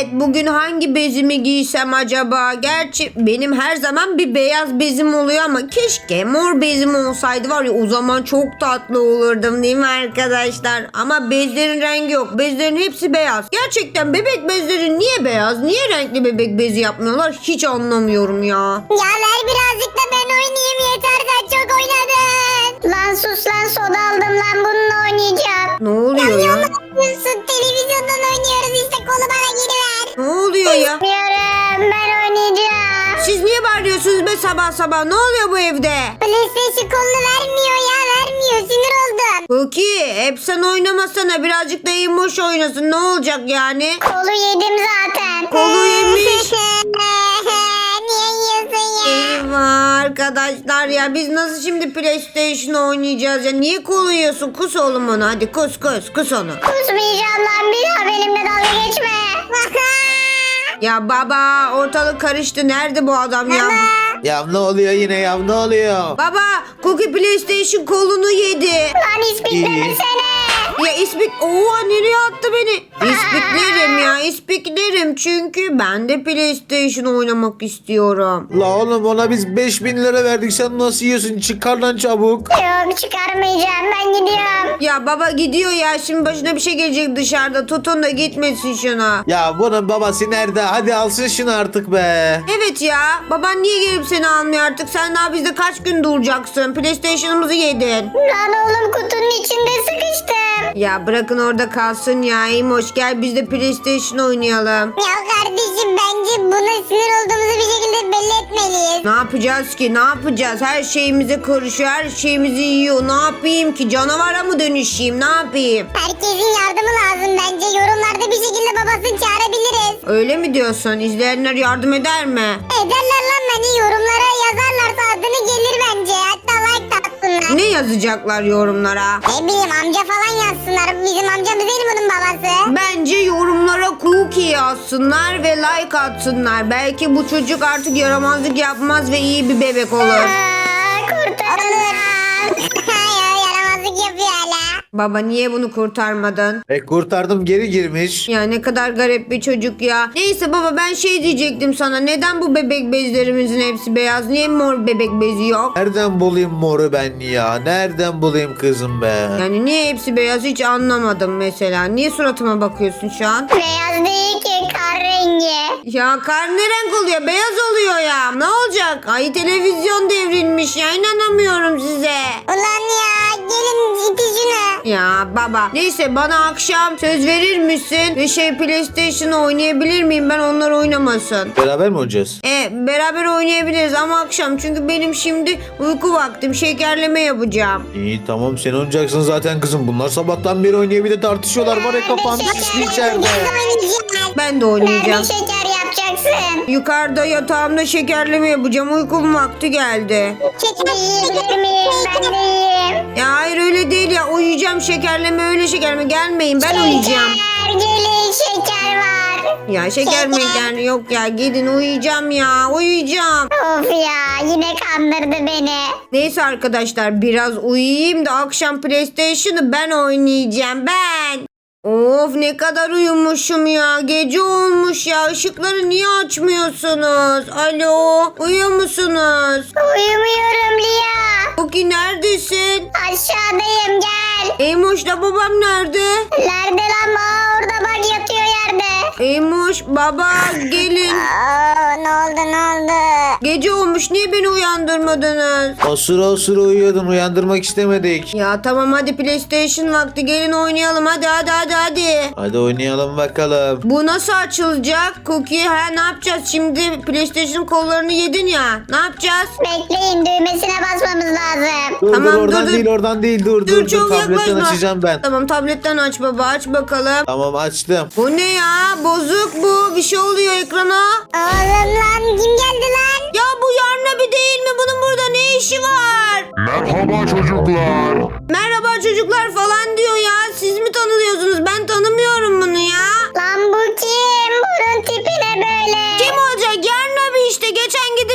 Evet, bugün hangi bezimi giysem acaba? Gerçi benim her zaman bir beyaz bezim oluyor ama keşke mor bezim olsaydı var ya, o zaman çok tatlı olurdum değil mi arkadaşlar? Ama bezlerin rengi yok. Bezlerin hepsi beyaz. Gerçekten bebek bezleri niye beyaz? Niye renkli bebek bezi yapmıyorlar? Hiç anlamıyorum ya. Ya ver birazcık da ben oynayayım, yeter sen çok oynadın. Lan sus lan, soda aldım lan, bununla oynayacağım. Ne oluyor ya? Yapıyorsun, televizyondan oynuyoruz işte, kolu bana geri ver. Ne oluyor ya? Bilmiyorum, ben oynayacağım. Siz niye bağırıyorsunuz be sabah sabah? Ne oluyor bu evde? PlayStation kolunu vermiyor ya, vermiyor, sinir oldum. Cookie, hep sen oynamasana. Birazcık da Emoş oynasın. Ne olacak yani? Kolu yedim zaten. Kolu yemiş. Niye yiyorsun ya? Eyvah arkadaşlar ya, biz nasıl şimdi PlayStation oynayacağız ya? Niye kolu yiyorsun? Kus oğlum onu, hadi kus onu. Kusmayacağım lan, bir daha benimle dalga geçme. Ya baba, ortalık karıştı, nerede bu adam ya? Ya ne oluyor yine ya, ne oluyor? Baba, Cookie PlayStation kolunu yedi. Lan ispiklemesene. Ya oha, nereye attı beni? İspiklerim ya, ispiklerim, çünkü ben de PlayStation oynamak istiyorum. La oğlum, ona biz 5000 lira verdik, sen nasıl yiyorsun? Çıkar lan çabuk. Yok, çıkarmayacağım, ben gidiyorum. Ya baba gidiyor ya, şimdi başına bir şey gelecek dışarıda, tutun da gitmesin şuna. Ya bunun babası nerede? Hadi alsın şunu artık be. Evet ya, baban niye gelip seni almıyor artık? Sen daha bizde kaç gün duracaksın? PlayStation'ımızı yedin. Lan oğlum, kutunun içinde sıkıştım. Ya bırakın orada kalsın ya. İmoş, gel biz de PlayStation oynayalım. Ya kardeşim, bence buna sinir olduğumuzu bir şekilde belli etmeliyiz. Ne yapacağız ki? Ne yapacağız? Her şeyimize karışıyor. Her şeyimizi yiyor. Ne yapayım ki? Canavara mı dönüşeyim? Ne yapayım? Herkesin yardımı lazım bence. Yorumlarda bir şekilde babasını çağırabiliriz. Öyle mi diyorsun? İzleyenler yardım eder mi? Ederler lan, beni yorumlara yazarlarsa adını gelir bence. Hatta like de atsınlar. Ne yazacaklar yorumlara? Ne bileyim, amca falan yazsınlar. Bizim amcamız değil mi bunun babası? Bence yorumlara Cookie yazsınlar ve like atsınlar. Belki bu çocuk artık yaramazlık yapmaz ve iyi bir bebek olur. Kurtarın. Yaramazlık yapıyor hala. Baba, niye bunu kurtarmadın? Kurtardım, geri girmiş. Ya ne kadar garip bir çocuk ya. Neyse baba, ben şey diyecektim sana. Neden bu bebek bezlerimizin hepsi beyaz? Niye mor bebek bezi yok? Nereden bulayım moru ben ya? Nereden bulayım kızım be? Yani niye hepsi beyaz, hiç anlamadım mesela. Niye suratıma bakıyorsun şu an? Beyaz değil ki, kar rengi. Ya kar ne renk oluyor? Beyaz oluyor ya. Ne olacak? Ay, televizyon devrilmiş ya. İnanamıyorum size. Ulan ya, gelin iti şunu. Ya baba. Neyse, bana akşam söz verir misin? Ve PlayStation oynayabilir miyim? Ben onlar oynamasın. Beraber mi oynayacağız? Beraber oynayabiliriz ama akşam, çünkü benim şimdi uyku vaktim, şekerleme yapacağım. İyi tamam, sen oynayacaksın zaten kızım. Bunlar sabahtan beri oynuyor, bir de tartışıyorlar. Var ya, kafan şişli içeride. Ben de Nerede oynayacağım. şeker yapacaksın? Yukarıda yatağımda şekerleme yapacağım. Uykum vakti geldi. Şeker yiyebilir miyim? Ben de yiyeyim. Ya hayır, öyle değil ya. Uyuyacağım, şekerleme öyle şekerleme. Gelmeyin, ben uyuyacağım. Şeker, gelin şeker var. Ya şeker meker yok ya. Gidin, uyuyacağım ya. Uyuyacağım. Of ya, yine kandırdı beni. Neyse arkadaşlar, biraz uyuyayım da akşam PlayStation'ı ben oynayacağım, ben. Of, ne kadar uyumuşum ya. Gece olmuş ya. Işıkları niye açmıyorsunuz? Alo, uyuyor musunuz? Uyumuyorum Lia. Cookie, neredesin? Aşağıdayım, gel. Eymoş'la babam nerede? Nerede lan? Orada bak, yatıyor yerde. Eymoş, baba gelin. Ne oldu ne oldu? Gece olmuş, niye beni uyandırmadınız? Osura osura uyuyordun, uyandırmak istemedik. Ya tamam, hadi PlayStation vakti, gelin oynayalım, hadi. Hadi oynayalım bakalım. Bu nasıl açılacak Cookie? Ne yapacağız şimdi? PlayStation kollarını yedin ya. Ne yapacağız? Bekleyin, düğmesine basmamız lazım. Dur Tamam, dur, oradan dur. değil, oradan değil, dur Çok tabletten yaklaşma. açacağım ben. Tamam, tabletten aç baba, aç bakalım. Tamam, açtım. Bu ne ya? Bozuk bu. Bir şey oluyor ekrana. Oğlum lan, kim geldi lan? Ya bu Yarnabi değil mi? Bunun burada ne işi var? Merhaba çocuklar. Merhaba çocuklar falan diyor ya. Siz mi tanıyorsunuz? Ben tanımıyorum bunu ya. Lan bu kim? Bunun tipi ne böyle? Kim olacak? Yarnabi işte. Geçen gidip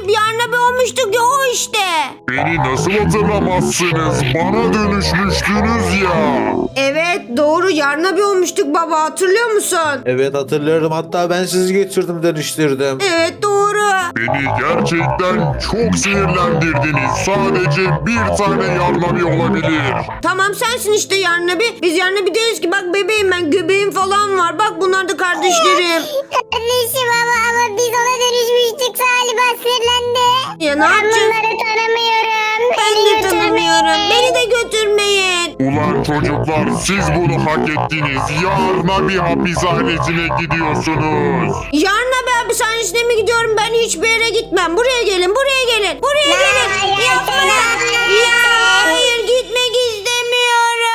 yarın abi olmuştuk ya, o işte. Beni nasıl hatırlamazsınız? Bana dönüşmüştünüz ya. Evet doğru, yarın abi olmuştuk baba, hatırlıyor musun? Evet hatırlıyorum. Hatta ben sizi götürdüm, dönüştürdüm. Evet doğru. Beni gerçekten çok sinirlendirdiniz. Sadece bir tane yarnabi olabilir. Tamam sensin işte yarın abi. Biz yarın abi değiliz ki, bak bebeğim ben, göbeğim falan var. Bak bunlar da kardeşlerim. Kardeşim ama biz ona dönüşmüştük, galiba sinirlendi. Ya ne Ben yapacağız? bunları tanımıyorum. Ben Beni de götürmeyin. tanımıyorum. Beni de götürmeyin. Ulan çocuklar, siz bunu hak ettiniz. Yarnabi hapishanesine gidiyorsunuz. Yarın abi hapishanesine mi gidiyorum? Ben hiçbir yere gitmem. Buraya gelin, buraya gelin. Buraya gelin. hayır, Yapma. hayır. Ya hayır, gitmek istemiyorum.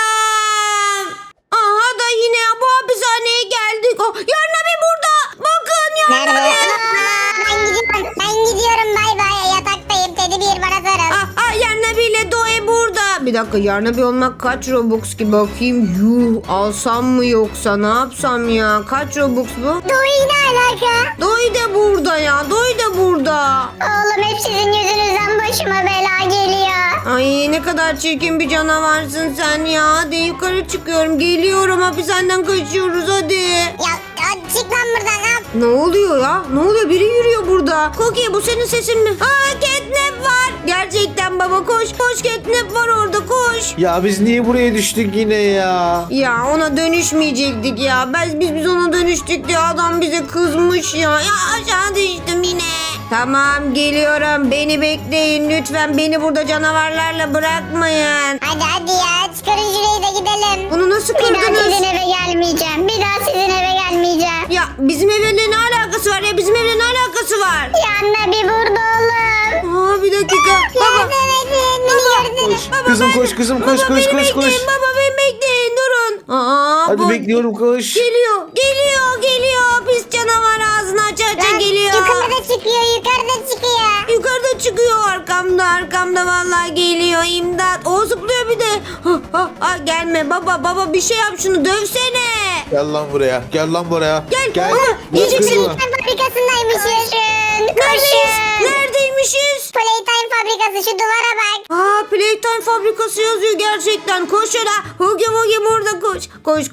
Aha da yine bu hapishaneye geldik. Oh, yarın abi burada. Bakın yarın Nerede? abi. Ben gidiyorum. Bay bay. Yataktayım. Teddy bir bana sarıl. Yarın abiyle Doğe burada. Bir dakika, yarın abi olmak kaç Robux ki bakayım. Yuh, alsam mı yoksa ne yapsam ya? Kaç Robux bu? Doğu'yu ne alaka? Doğu da burada ya. Doğu da burada. Oğlum hep sizin yüzünüzden başıma bela geliyor. Ay ne kadar çirkin bir canavarsın sen ya. Hadi yukarı çıkıyorum. Geliyorum, hapishaneden kaçıyoruz hadi. Ya çık lan buradan. Ha. Ne oluyor ya? Ne oluyor? Biri yürüyor burada. Cookie, bu senin sesin mi? Aa, catnap var. Gerçekten baba, koş. Koş, catnap var orada, koş. Ya biz niye buraya düştük yine ya? Ya ona dönüşmeyecektik ya. Biz ona dönüştük diye adam bize kızmış ya. Ya aşağı düştüm yine. Tamam geliyorum. Beni bekleyin lütfen. Beni burada canavarlarla bırakmayın. Hadi ya çıkarın şurayı da gidelim. Bunu nasıl Bir daha kırdınız? sizin eve gelmeyeceğim. Bir daha sizin eve gelmeyeceğim. Ya bizim evle ne alakası var ya? Bizim evle ne alakası var? Yanına bir burada oğlum. Aa, bir dakika. Baba. Yardım edin. Beni gördünüz. Kızım koş kızım koş Baba koş beni koş koş. bekleyin. Baba beni bekleyin. Durun. Aa, Hadi bu- bekliyorum, koş. Geliyor. Pis canavar ağzını aça geliyor. Yukarıda çıkıyor. Yukarıda çıkıyor. Yukarıda çıkıyor, arkamda vallahi geliyor, imdat. O zıplıyor bir de. Gelme baba, bir şey yap, şunu dövsene. Gel lan buraya. Gel lan buraya. Gel. Baba, Gel yiyeceksin. kızım. Playtime fabrikasındaymışız. Neredeyiz? Koşun. Neredeymişiz? Playtime fabrikası şu duvara bak. Playtime fabrikası yazıyor gerçekten. Koş şöyle. Hugi burada koş. Koş.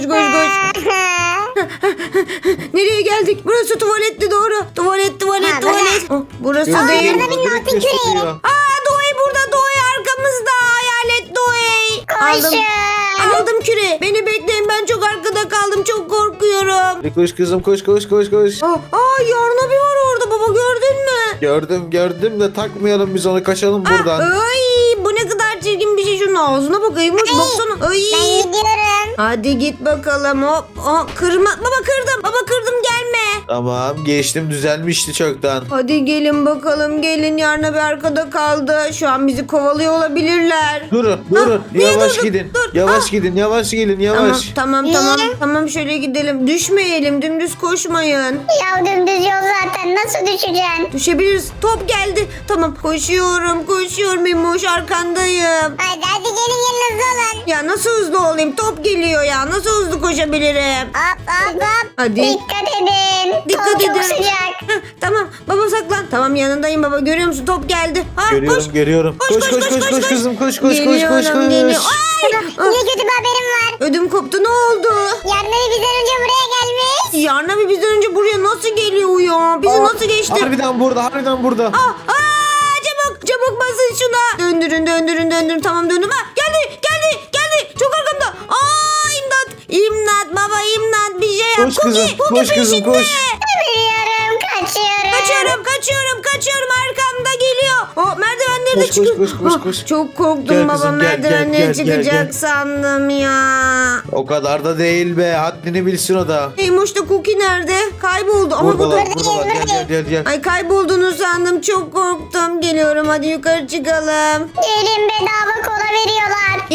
Nereye geldik? Burası tuvaletti doğru. Tuvalet. Burası Aa, değil. yardım edin, Direkt altın küreği. gösteriyor. Doğu burada. Doğu arkamızda. Hayalet Doğu. Koşun. Aldım küre. Beni bekleyin, ben çok arkada kaldım. Çok korkuyorum. Hadi koş kızım koş. Yarın abi var orada baba, gördün mü? Gördüm de takmayalım biz onu, kaçalım buradan. Ay bu ne kadar çirkin bir şey, şunun ağzına bakayım. Baksana. Ay. Ben gidiyorum. Hadi git bakalım hop. Kırma. Baba kırdım, gelme. Tamam geçtim, düzelmişti çoktan. Hadi gelin bakalım, gelin, yarın abi arkada kaldı. Şu an bizi kovalıyor olabilirler. Durun niye yavaş durdun? gidin. Dur. Yavaş gidin, yavaş gelin, yavaş. Tamam. Niye? Tamam şöyle gidelim. Düşmeyelim, dümdüz koşmayın. Ya dümdüz yol zaten. Nasıl düşeceksin? Düşebiliriz. Top geldi. Tamam koşuyorum Emoş, arkandayım. Hadi gelin hızlı olun. Ya nasıl hızlı olayım? Top geliyor ya. Nasıl hızlı koşabilirim? Hop. Hadi. Dikkat edin. Dikkat Top edin. çok sıcak. Heh, tamam baba saklan. Tamam yanındayım baba, görüyor musun? Top geldi. Görüyorum. Koş kızım koş. Geliyorum. Ay! Yine kötü bir haberim var. Ödüm koptu, ne oldu? Yarın bizden önce buraya gelmiş. Yarın abi bizden önce buraya nasıl geliyor ya? Bizi nasıl geçti? Harbiden burada. Çabuk basın şuna. Döndürün. Tamam döndüm. Geldi. Çok arkamda. İmdat baba, imdat, bir şey yap. Koş kızım, Cookie koş kızım, peşinde. koş. Biliyorum Kaçıyorum, arkamda geliyor. Merdivenleri de Koş, çıkıyor. koş. Çok korktum Gel baba, kızım, gel, merdivenleri gel, çıkacak gel. sandım ya. O kadar da değil be, haddini bilsin o da. Emoş da Cookie nerede? Kayboldu. Ama bu da... Buradalar. Gel. Ay kaybolduğunu sandım, çok korktum. Geliyorum, hadi yukarı çıkalım. Gelin bedava kola veriyorlar.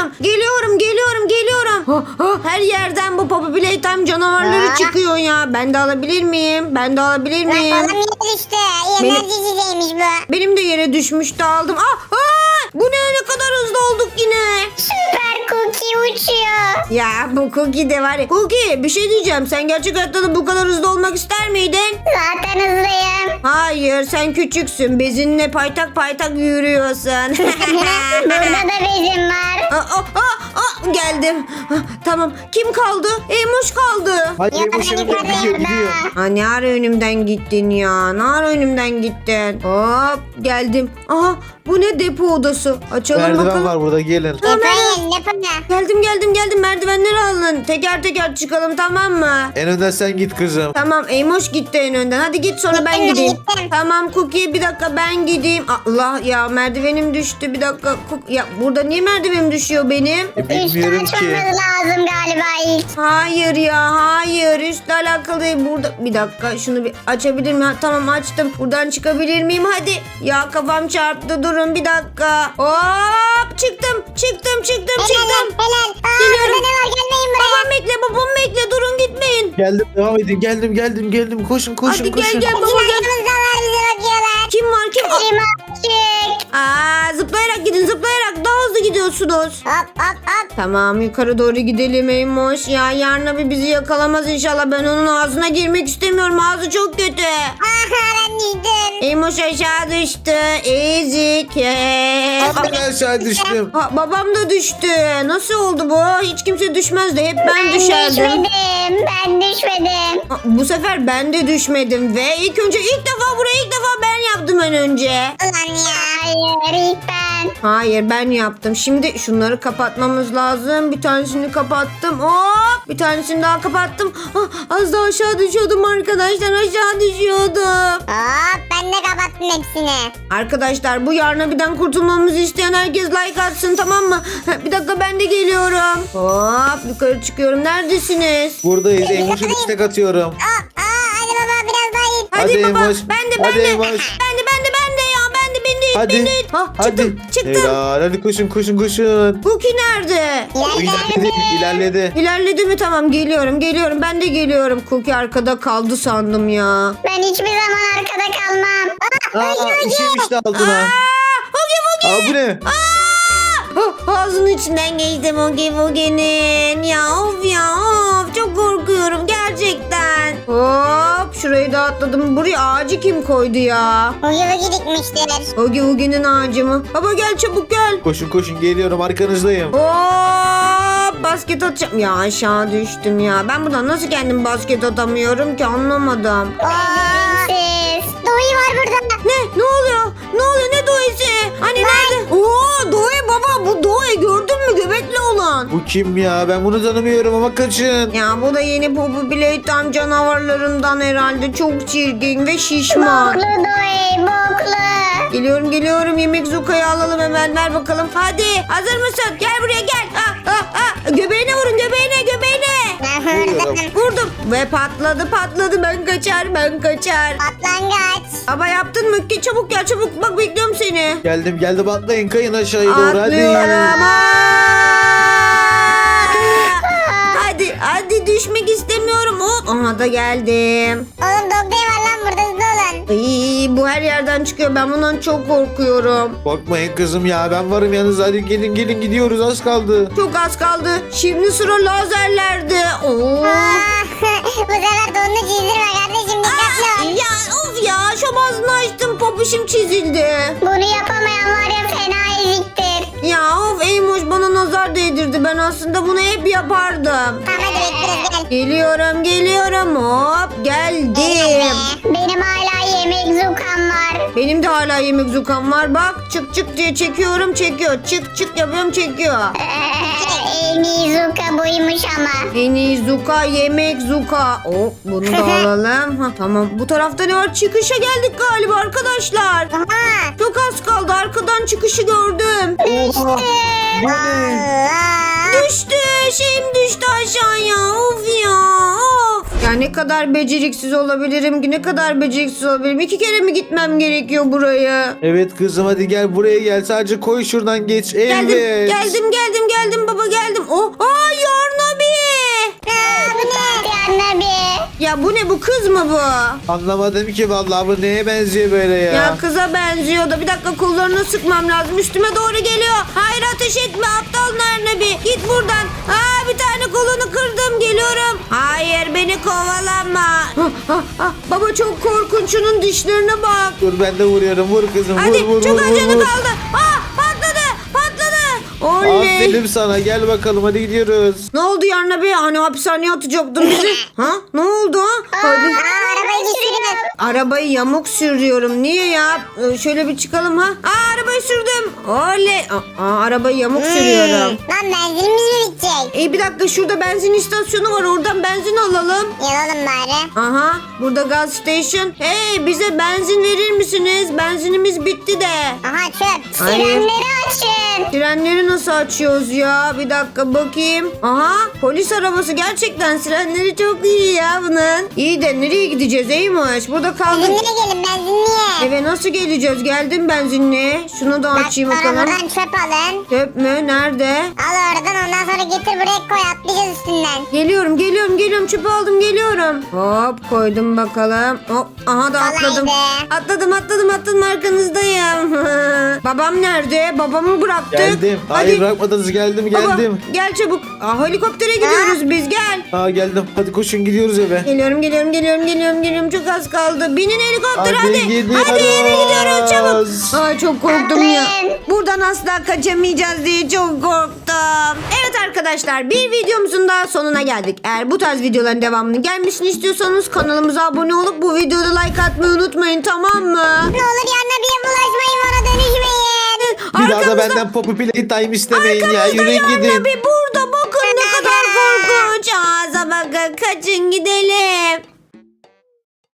Geliyorum. Her yerden bu Poppy Playtime canavarları çıkıyor ya. Ben de alabilir miyim? Lan kolam yine düştü. Enerji içeceğiymiş bu. Benim de yere düşmüştü, aldım. Bu ne kadar hızlı olduk yine. Süper Cookie uçuyor. Ya bu Cookie de var ya. Cookie bir şey diyeceğim. Sen gerçek hayatta da bu kadar hızlı olmak ister miydin? Zaten hızlıyım. Hayır sen küçüksün. Bezinle paytak paytak yürüyorsun. Burada da bezim var. Geldim. Tamam. Kim kaldı? Emoş kaldı. Hadi Ya Emoş beni önümden gidiyor gidiyor. Ha, ne ara önümden gittin ya? Ne ara önümden gittin? Hop geldim. Aha bu ne depo odası? Açalım Merdiven bakalım. var burada gelin. Yapayım. Geldim. Merdivenleri alın. Teker teker çıkalım tamam mı? En önden sen git kızım. Tamam Emoş gitti en önden. Hadi git sonra ben Gittim, gideyim. gittim. Tamam Cookie bir dakika ben gideyim. Allah ya merdivenim düştü bir dakika. Ya burada niye merdivenim düşüyor benim? Bilmiyorum ki. Açmamız lazım galiba ilk. Hayır ya hayır üstle alakalı değil burada. Bir dakika şunu bir açabilir miyim? Ha, tamam açtım. Buradan çıkabilir miyim? Hadi. Ya kafam çarptı durun bir dakika. Hop çıktım. Helal. Geliyorum. Burada ne var gelmeyin buraya. Babam bekle durun gitmeyin. Geldim devam edin geldim. Koşun. Hadi gel baba Bizim gel. arkamızdalar bize bakıyorlar. Kim var kim? Limancık. Zıplayarak gidin zıplayarak daha hızlı gidiyorsunuz. Hop. Tamam yukarı doğru gidelim Eymoş. Ya yarın abi bizi yakalamaz inşallah. Ben onun ağzına girmek istemiyorum. Ağzı çok kötü. Ben yedim. Eymoş aşağı düştü. Ezik. Ben aşağı düştüm. Babam da düştü. Nasıl oldu bu? Hiç kimse düşmezdi. Hep ben düşerdim. Ben düşmedim. Bu sefer ben de düşmedim ve ilk defa ben yaptım en önce. Ulan ya hayır ilk ben. Hayır ben yaptım. Şimdi şunları kapatmamız lazım. Bir tanesini kapattım. Hop! Bir tanesini daha kapattım. Az daha aşağı düşüyordum arkadaşlar. Aşağı düşüyordum. Hop ben de kapattım hepsini. Arkadaşlar bu yarnabiden kurtulmamızı isteyen herkes like atsın tamam mı? Bir dakika ben de geliyorum. Hop yukarı çıkıyorum. Neredesiniz? Buradayız. Emoş'a istek atıyorum. Hadi baba biraz daha iyi. Hadi baba. Emoş. Ben de. Hadi Emoş. Ben de ya. Ben de. Hadi. Çıktım. Helal. Hadi koşun. Cookie nerede? İlerledi. İlerledi mi? Tamam geliyorum. Ben de geliyorum. Cookie arkada kaldı sandım ya. Ben hiçbir zaman arkada kalmam. İşim işte altına. Cookie. Bu ne? Ağzının içinden geçtim Oogie'nin. Ya of. Çok korkuyorum gerçekten. Hop şurayı da atladım. Buraya ağacı kim koydu ya? Uyu dikmiştir. Oogie'nin ağacı mı? Baba gel çabuk gel. Koşun geliyorum arkanızdayım. Hop basket atacağım. Ya aşağı düştüm ya. Ben buradan nasıl kendim basket atamıyorum ki anlamadım. Siz. Doğuyu var burada. Ne oluyor? Ne Doğu'su? Hani nerede? Oo Doğu baba bu Doğu gördün mü göbekli olan? Bu kim ya? Ben bunu tanımıyorum ama kaçın. Ya bu da yeni Poppy Playtime canavarlarından herhalde. Çok çirkin ve şişman. Boklu Doğu boklu. Geliyorum yemek Zuka'yı alalım hemen ver bakalım. Hadi hazır mısın? Gel buraya gel. Göbeğine vurun göbeğine. Vurdum ve patladı ben kaçar. Patlangaç. Baba yaptın mı? Çabuk bak bekliyorum seni. Geldim atlayın kayın aşağıya doğru Atlıyorum. hadi. Hadi düşmek istemiyorum. Hop. Aha da geldim. Oğlum Dog Day var lan burada hızlı olun. Ay, bu her yerden çıkıyor. Ben bundan çok korkuyorum. Korkmayın kızım ya ben varım yanınızda hadi gelin gidiyoruz az kaldı. Çok az kaldı. Şimdi sıra lazerlerde. Oo. Bu sefer donunu çizdirme kardeşim dikkatli ol. Ya of ya şom ağzını açtım popişim çizildi. Bunu yapamayan var ya fena eziktir. Ya of Eymoş bana nazar değdirdi. Ben aslında bunu hep yapardım. Tamam hadi bekliyoruz gel. Geliyorum hop geldim. Benim hala yemek zukam var. Benim de hala yemek zukam var. Bak çık diye çekiyorum çekiyor. Çık yapıyorum çekiyor. En iyi zuka buymuş ama. En iyi zuka yemek zuka. Oh bunu da alalım. Tamam bu tarafta ne var? Çıkışa geldik galiba arkadaşlar. Aha. Çok az kaldı arkadan çıkışı gördüm. Oha bu ne? Düştü şeyim düştü aşağıya. Of ya of. Ya ne kadar beceriksiz olabilirim ki? Ne kadar beceriksiz olabilirim? 2 kere mi gitmem gerekiyor buraya? Evet kızım hadi gel buraya gel sadece koy şuradan geç. Evet. Geldim baba geldim. Oh, Yarnabi. Bu ne? Yarın abi. Ya bu ne, bu kız mı bu? Anlamadım ki vallahi, bu neye benziyor böyle ya? Ya kıza benziyor da bir dakika, kollarını sıkmam lazım. Üstüme doğru geliyor. Hayır, ateş etme aptal Narnabi. Git buradan. Bir tane kolunu kırdım, geliyorum. Hayır, beni kovalama. Baba çok korkunç, şunun dişlerine bak. Dur ben de vuruyorum, vur kızım, Hadi vur çok vur az vur canı vur. kaldı. Patladı. Oley. Aferin sana, gel bakalım hadi gidiyoruz. Ne oldu Yarna Bey? Hani hapishaneye atacaktın bizi. Ne oldu ha? Hadi. Arabayı düşürdüm. Arabayı yamuk sürüyorum. Niye ya? Şöyle bir çıkalım ha. Arabayı sürdüm. Oley. Arabayı yamuk sürüyorum. Lan benzinimiz mi bitecek? Bir dakika, şurada benzin istasyonu var. Oradan benzin alalım. Yalalım bari. Aha, burada gas station. Hey, bize benzin verir misiniz? Benzinimiz bitti de. Aha çöp. Hayır. Sirenleri açın. Sirenleri nasıl açıyoruz ya? Bir dakika bakayım. Aha, polis arabası, gerçekten sirenleri çok iyi ya bunun. İyi de nereye gideceğiz Eymoş? Burada kaldık. Benzinliğe gelin benzinliğe. Eve nasıl geleceğiz? Geldim benzinliğe. Şunu da açayım Bak sonra bakalım. buradan çöp alın. Çöp mü? Nerede? Al oradan ondan sonra getir buraya koy atlayacağız üstünden. Geliyorum. Çöpü aldım, geliyorum. Hop, koydum bakalım. Hop, aha da atladım. Kolaydı. Atladım, arkanızdayım. Babam nerede? Babamı bıraktık. Geldim. Hayır bırakmadınız, geldim. Baba, gel çabuk. Helikoptere gidiyoruz biz, gel. Geldim. Hadi koşun, gidiyoruz eve. Geliyorum. Çok az kaldı. Binin helikoptere Hadi hadi. gidiyoruz. Hadi eve gidiyoruz çabuk. Ay çok korktum ya. Atlayın. Buradan asla kaçamayacağız diye çok korktum. Evet arkadaşlar, bir videomuzun daha sonuna geldik. Eğer bu tarz videoların devamını gelmesini istiyorsanız kanalımıza abone olup bu videoda like atmayı unutmayın, tamam mı? Ne olur yanına bir bulaşmayın bana dönüşmeyin. Bir daha da benden Poppy Playtime istemeyin ya. Yürüyün gidin. Bir burada bakın ne kadar korkunç. Ağza bakın, kaçın gidelim.